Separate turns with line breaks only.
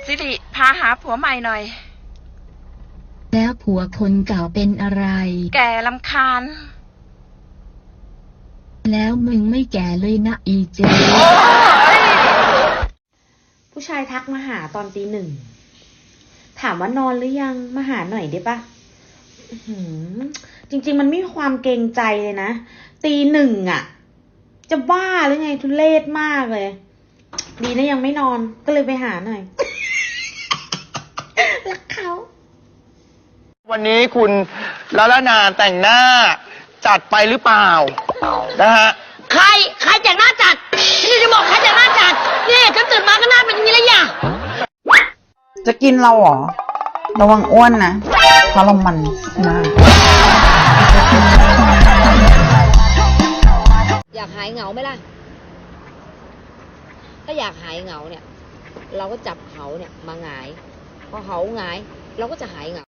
สิริพาหาผัวใหม่หน่อย
แล้วผัวคนเก่าเป็นอะไร
แก่รำคาญ
แล้วมึงไม่แก่เลยนะอีเจ
ผู้ชายทักมาหาตอนตี 1ถามว่านอนหรือยังมาหาหน่อยได้ปะจริงๆมันไม่มีความเกรงใจเลยนะตี 1อ่ะจะบ้าหรือไงทุเรศมากเลยดีนะยังไม่นอนก็เลยไปหาหน่อยรักเขา
วันนี้คุณละละนาแต่งหน้าจัดไปหรือเปล่านะฮะ
ใครแต่งหน้าจัดนี่จะบอกใครแต่งหน้าจัดนี่ฉันตื่นมาก็หน้าเป็นอย่างนี้แล้วอย่า
จะกินเราเหรอระวังอ้วนนะเพราะเรามันมาก
อยากหายเหงาไหมล่ะถ้าอยากหายเหงาเนี่ยเราก็จับเขาเนี่ยมาหงายพอเขาหงายเราก็จะหายเหงา